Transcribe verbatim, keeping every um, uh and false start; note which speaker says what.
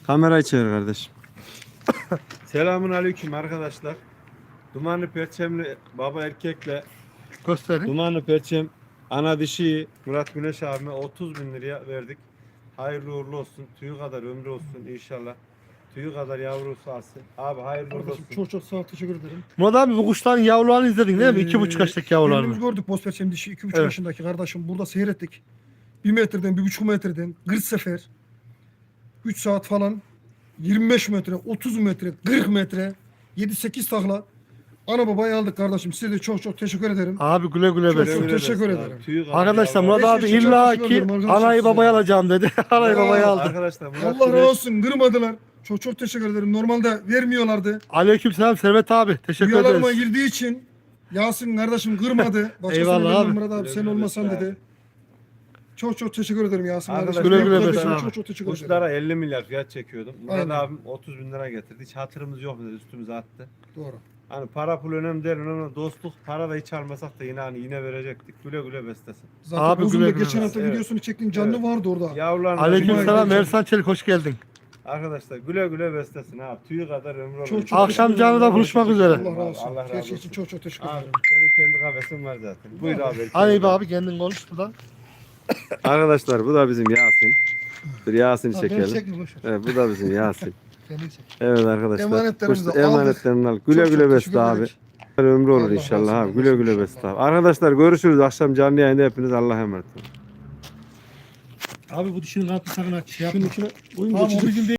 Speaker 1: Kamerayı çevir kardeşim. Selamun aleyküm arkadaşlar. Dumanlı perçemli baba erkekle
Speaker 2: Gösterin.
Speaker 1: Dumanlı perçem ana dişi Murat Güneş abime otuz bin liraya verdik. Hayırlı uğurlu olsun. Tüyü kadar ömrü olsun inşallah. Tüyü kadar yavrusu alsın. Abi hayırlı uğurlu olsun.
Speaker 3: Kardeşim çok çok sağ ol, teşekkür ederim.
Speaker 2: Murat abi bu kuşların yavrularını izledin değil mi? İki buçuk yaşındaki
Speaker 3: Kendimiz
Speaker 2: yavrularını.
Speaker 3: gördük boz perçem dişi iki buçuk
Speaker 2: Evet.
Speaker 3: yaşındaki kardeşim. Burada seyrettik. Bir metreden, bir buçuk metreden, kırk sefer. Üç saat falan. yirmi beş metre, otuz metre, kırk metre. Yedi sekiz takla. Ana babayı aldık kardeşim. Size de çok çok teşekkür ederim.
Speaker 2: Abi güle güle
Speaker 3: Çok
Speaker 2: besin.
Speaker 3: çok teşekkür
Speaker 1: Abi,
Speaker 3: ederim.
Speaker 1: tüyü kadar
Speaker 2: Arkadaşlar
Speaker 1: yavru-
Speaker 2: Murat abi
Speaker 3: Beş yaşında
Speaker 2: illa
Speaker 3: teşekkür
Speaker 2: ki
Speaker 3: ederim arkadaşlar
Speaker 2: anayı
Speaker 3: size.
Speaker 2: babayı alacağım dedi. Anayı
Speaker 3: Ya,
Speaker 2: babayı aldı.
Speaker 1: Arkadaşlar Murat
Speaker 3: Allah
Speaker 1: Güneş
Speaker 3: razı olsun, kırmadılar. Çok çok teşekkür ederim. Normalde vermiyorlardı.
Speaker 2: Aleykümselam Servet abi. Teşekkür
Speaker 3: Rüyalarıma
Speaker 2: ederiz.
Speaker 3: girdiği için Yasin kardeşim kırmadı. Başkasını
Speaker 2: Eyvallah
Speaker 3: vermem
Speaker 2: abi.
Speaker 3: Murat abi sen
Speaker 1: Güle güle
Speaker 3: olmasan
Speaker 1: abi.
Speaker 3: dedi. Çok çok teşekkür ederim Yasin
Speaker 1: Arkadaşlar,
Speaker 3: kardeşim.
Speaker 2: güle güle
Speaker 3: Benim
Speaker 2: be
Speaker 3: kardeşime
Speaker 2: abi.
Speaker 3: Çok çok teşekkür ederim.
Speaker 1: kuşlara elli milyar fiyat çekiyordum. Murat
Speaker 3: Aynen.
Speaker 1: abim otuz bin lira getirdi. Hiç hatırımız yok dedi, üstümüze attı.
Speaker 3: Doğru.
Speaker 1: Hani para pul önemli değil, önemli dostluk. Para da hiç almasak da yine hani yine verecektik. Güle güle beslesin.
Speaker 3: Zaten
Speaker 2: Abi
Speaker 3: uzun
Speaker 2: güle
Speaker 3: da
Speaker 2: güle.
Speaker 3: geçen hafta
Speaker 1: Evet.
Speaker 3: videosunu çektiğin canlı
Speaker 1: Evet.
Speaker 3: vardı orada.
Speaker 1: Yavrularına
Speaker 2: Aleykümselam
Speaker 3: Güle-
Speaker 2: Ersan Çelik hoş geldin.
Speaker 1: Arkadaşlar güle güle beslesin abi. Tüyü kadar ömrü olur.
Speaker 3: Çok çok
Speaker 2: Akşam
Speaker 3: teşekkür
Speaker 2: canlıda
Speaker 3: ederim.
Speaker 2: buluşmak üzere.
Speaker 3: Allah razı olsun.
Speaker 1: Allah razı
Speaker 3: Her şey
Speaker 1: olsun.
Speaker 3: için çok çok teşekkür
Speaker 1: Abi
Speaker 3: ederim.
Speaker 1: senin kendi kafesin var zaten. Buyur abi.
Speaker 2: Hadi be abi kendin konuş buradan.
Speaker 1: Arkadaşlar bu da bizim Yasin. Bir Yasin
Speaker 3: Ha, beni
Speaker 1: çekelim.
Speaker 3: çekme, boş ver.
Speaker 1: Evet bu da bizim Yasin.
Speaker 3: Kendini çek.
Speaker 1: Evet arkadaşlar.
Speaker 3: Emanetlerimizi
Speaker 1: kuş-
Speaker 3: aldık.
Speaker 1: Emanetlerini al. Güle
Speaker 3: Çok çok
Speaker 1: güle
Speaker 3: teşekkür
Speaker 1: besle abi.
Speaker 3: ederim.
Speaker 1: Ömrü olur
Speaker 3: Allah
Speaker 1: inşallah
Speaker 3: razı
Speaker 1: abi.
Speaker 3: olsun
Speaker 1: Güle güle
Speaker 3: inşallah.
Speaker 1: besle abi. Arkadaşlar görüşürüz. Akşam canlı yayında hepiniz Allah'a emanet olun.
Speaker 2: Abi bu dişinin altını sakın aç. Şey
Speaker 3: Şunun içine koyayım
Speaker 2: Tamam
Speaker 3: geçecek.
Speaker 2: o bizim